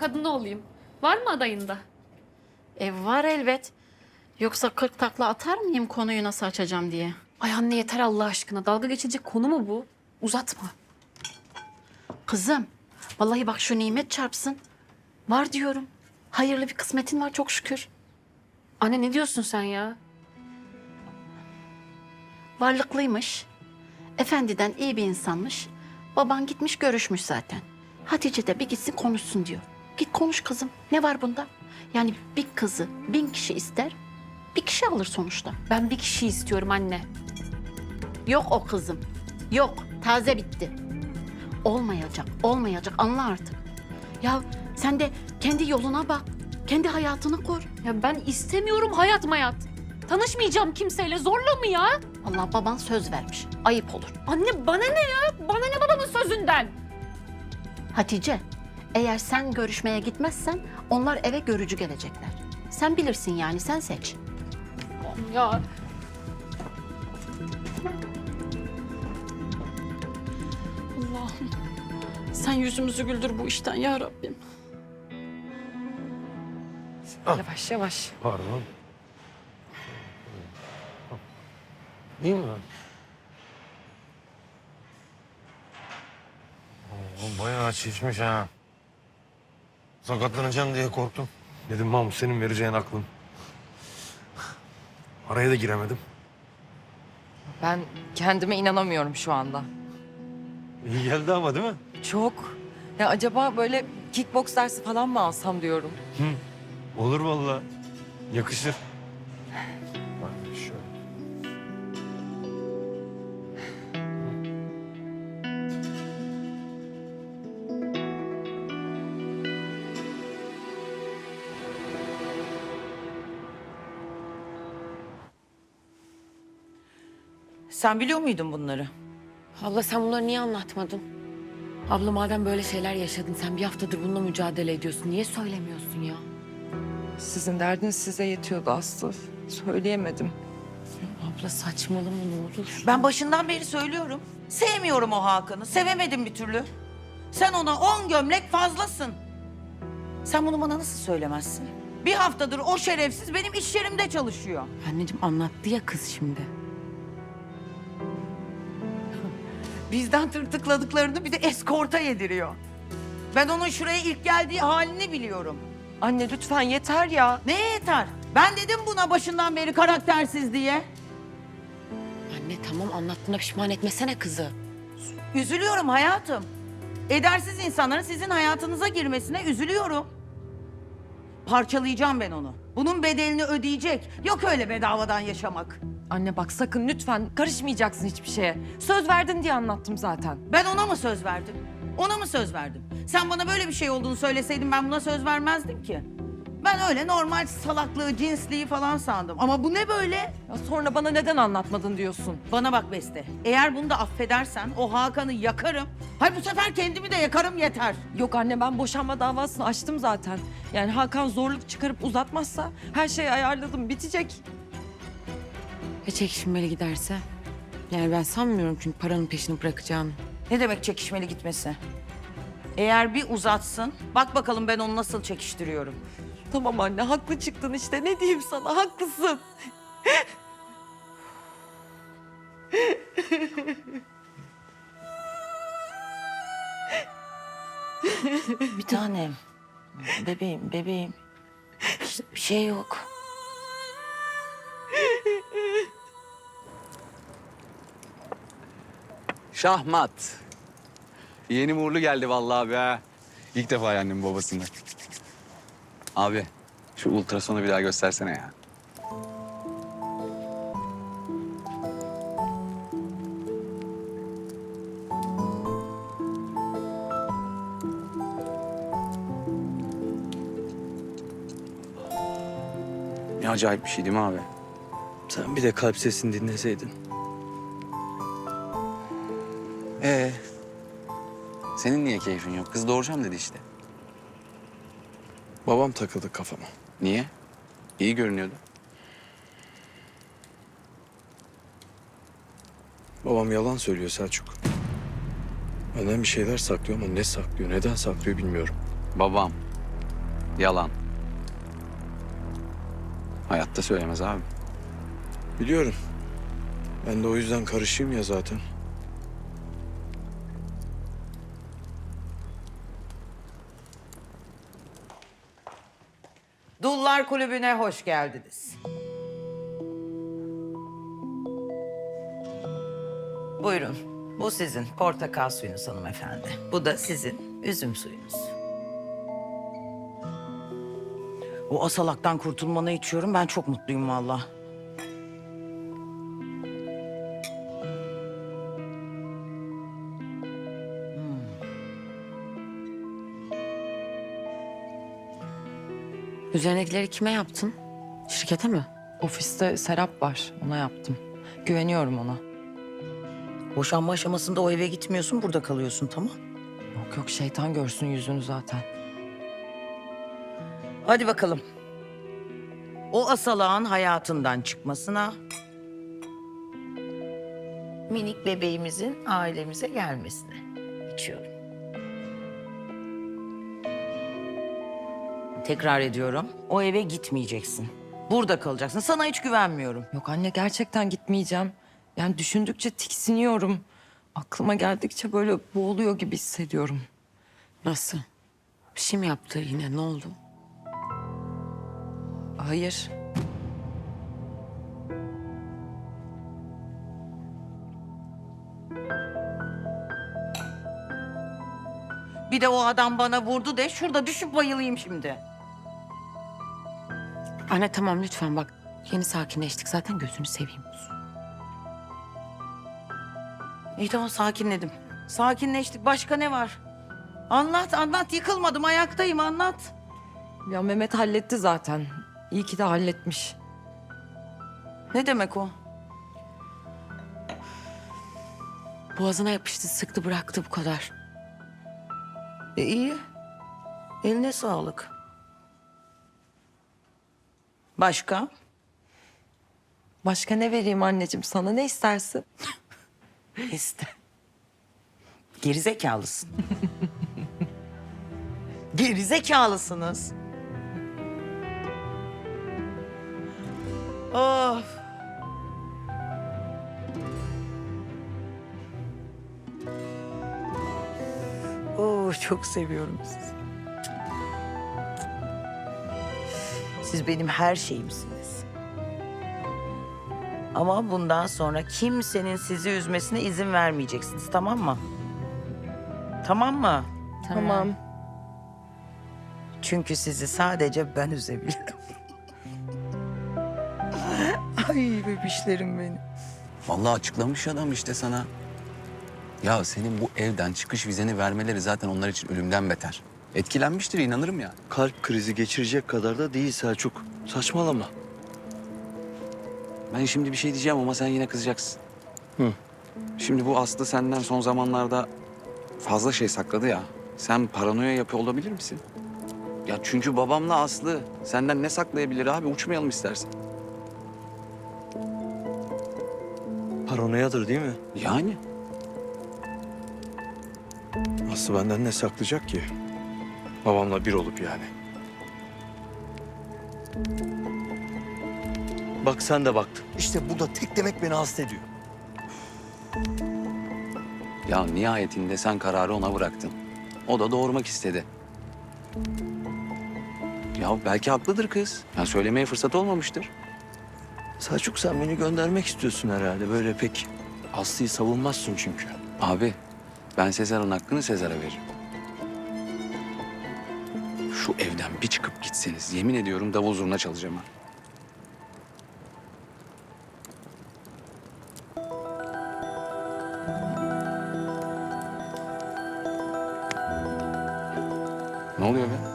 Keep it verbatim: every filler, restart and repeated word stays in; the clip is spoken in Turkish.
kadını olayım. Var mı adayında? E var elbet. Yoksa kırk takla atar mıyım konuyu nasıl açacağım diye. Ay anne yeter Allah aşkına. Dalga geçilecek konu mu bu? Uzatma. Kızım, vallahi bak şu nimet çarpsın. Var diyorum. Hayırlı bir kısmetin var çok şükür. Anne ne diyorsun sen ya? Varlıklıymış. Efendiden iyi bir insanmış. Baban gitmiş görüşmüş zaten. Hatice de bir gitsin konuşsun diyor. Git konuş kızım. Ne var bunda? Yani bir kızı bin kişi ister, bir kişi alır sonuçta. Ben bir kişi istiyorum anne. Yok o kızım. Yok. Taze bitti. Olmayacak, olmayacak. Anla artık. Ya sen de kendi yoluna bak. Kendi hayatını kur. Ya ben istemiyorum hayat mayat. Tanışmayacağım kimseyle. Zorla mı ya? Allah baban söz vermiş. Ayıp olur. Anne bana ne ya? Bana ne babamın sözünden? Hatice, eğer sen görüşmeye gitmezsen onlar eve görücü gelecekler. Sen bilirsin yani, sen seç. Ya Allah'ım, sen yüzümüzü güldür bu işten ya Rabbim. yavaş yavaş. Pardon. İyi mi? Oo, bayağı şişmiş ha. Sakatlanacağım diye korktum. Dedim Mahmut senin vereceğin aklın. Araya da giremedim. Ben kendime inanamıyorum şu anda. İyi geldi ama değil mi? Çok. Ya acaba böyle kickbox dersi falan mı alsam diyorum. Hı. Olur vallahi. Yakışır. Bak şöyle. Sen biliyor muydun bunları? Abla sen bunları niye anlatmadın? Abla madem böyle şeyler yaşadın, sen bir haftadır bununla mücadele ediyorsun. Niye söylemiyorsun ya? Sizin derdiniz size yetiyordu Aslı. Söyleyemedim. Abla saçmalama ne olur. Ben başından beri söylüyorum. Sevmiyorum o Hakan'ı. Sevemedim bir türlü. Sen ona on gömlek fazlasın. Sen bunu bana nasıl söylemezsin? Bir haftadır o şerefsiz benim iş yerimde çalışıyor. Anneciğim anlattı ya kız şimdi. Bizden tırtıkladıklarını bir de eskorta yediriyor. Ben onun şuraya ilk geldiği halini biliyorum. Anne lütfen yeter ya. Neye yeter? Ben dedim buna başından beri karaktersiz diye. Anne tamam anlattığına pişman etmesene kızı. Üzülüyorum hayatım. Edersiz insanların sizin hayatınıza girmesine üzülüyorum. Parçalayacağım ben onu. Bunun bedelini ödeyecek. Yok öyle bedavadan yaşamak. Anne bak sakın lütfen karışmayacaksın hiçbir şeye. Söz verdin diye anlattım zaten. Ben ona mı söz verdim? Ona mı söz verdim? Sen bana böyle bir şey olduğunu söyleseydin ben buna söz vermezdim ki. Ben öyle normal salaklığı, cinsliği falan sandım. Ama bu ne böyle? Ya sonra bana neden anlatmadın diyorsun. Bana bak Beste. Eğer bunu da affedersen o Hakan'ı yakarım. Hayır bu sefer kendimi de yakarım yeter. Yok anne ben boşanma davasını açtım zaten. Yani Hakan zorluk çıkarıp uzatmazsa her şeyi ayarladım bitecek. Ya çekişmeli giderse? Yani ben sanmıyorum çünkü paranın peşini bırakacağını. Ne demek çekişmeli gitmesi? Eğer bir uzatsın, bak bakalım ben onu nasıl çekiştiriyorum. Tamam anne haklı çıktın işte ne diyeyim sana haklısın. Bir tanem. Bebeğim, bebeğim. İşte bir şey yok. Şahmat. Yeni uğurlu geldi vallahi abi ha. İlk defa yendim babasını. Abi şu ultrasonu bir daha göstersene ya. Ne acayip bir şey değil mi abi? Sen bir de kalp sesini dinleseydin. Ee, senin niye keyfin yok? Kız doğuracağım dedi işte. Babam takıldı kafama. Niye? İyi görünüyordu. Babam yalan söylüyor Selçuk. Benden bir şeyler saklıyor ama ne saklıyor, neden saklıyor bilmiyorum. Babam Yalan. Hayatta söylemez abi. Biliyorum. Ben de o yüzden karışayım ya zaten. Dullar Kulübü'ne hoş geldiniz. Buyurun. Bu sizin portakal suyunuz hanımefendi. Bu da sizin üzüm suyunuz. O asalaktan kurtulmanı içiyorum. Ben çok mutluyum vallahi. Üzerindekileri kime yaptın? Şirkete mi? Ofiste Serap var. Ona yaptım. Güveniyorum ona. Boşanma aşamasında o eve gitmiyorsun, burada kalıyorsun, tamam? Yok yok, şeytan görsün yüzünü zaten. Hadi bakalım. O asalağın hayatından çıkmasına, minik bebeğimizin ailemize gelmesine içiyorum. Tekrar ediyorum. O eve gitmeyeceksin. Burada kalacaksın. Sana hiç güvenmiyorum. Yok anne, gerçekten gitmeyeceğim. Yani düşündükçe tiksiniyorum. Aklıma geldikçe böyle boğuluyor gibi hissediyorum. Nasıl? Bir şey mi yaptı yine? Ne oldu? Hayır. Bir de o adam bana vurdu de şurada düşüp bayılayım şimdi. Anne tamam lütfen bak. Yeni sakinleştik zaten, gözünü seveyim. İyi tamam, sakinledim. Sakinleştik. Başka ne var? Anlat anlat, yıkılmadım, ayaktayım, anlat. Ya Mehmet halletti zaten. İyi ki de halletmiş. Ne demek o? Boğazına yapıştı, sıktı, bıraktı, bu kadar. E iyi. Eline sağlık. Başka? Başka ne vereyim anneciğim sana? Ne istersin? İşte. Gerizekalısın. Gerizekalısınız. Of. Oo, çok seviyorum sizi. Siz benim her şeyimsiniz. Ama bundan sonra kimsenin sizi üzmesine izin vermeyeceksiniz, tamam mı? Tamam mı? Tamam. Çünkü sizi sadece ben üzebilirim. Ay bebişlerim benim. Vallahi açıklamış adam işte sana. Ya senin bu evden çıkış vizeni vermeleri zaten onlar için ölümden beter. Etkilenmiştir, inanırım ya. Kalp krizi geçirecek kadar da değil Selçuk. Saçmalama. Ben şimdi bir şey diyeceğim ama sen yine kızacaksın. Hı. Şimdi bu Aslı senden son zamanlarda fazla şey sakladı ya. Sen paranoya yapıyor olabilir misin? Ya çünkü babamla Aslı senden ne saklayabilir abi? Uçmayalım istersen. Paranoyadır değil mi? Yani. Aslı benden ne saklayacak ki? Babamla bir olup yani. Bak sen de baktın. İşte bu da tek demek beni hasta ediyor. Ya nihayetinde sen kararı ona bıraktın. O da doğurmak istedi. Ya belki haklıdır kız. Ya söylemeye fırsat olmamıştır. Selçuk sen beni göndermek istiyorsun herhalde. Böyle pek Aslı'yı savunmazsın çünkü. Abi ben Sezar'ın hakkını Sezar'a veririm. Şu evden bir çıkıp gitseniz yemin ediyorum davul zurna çalacağım ha. Ne oluyor be?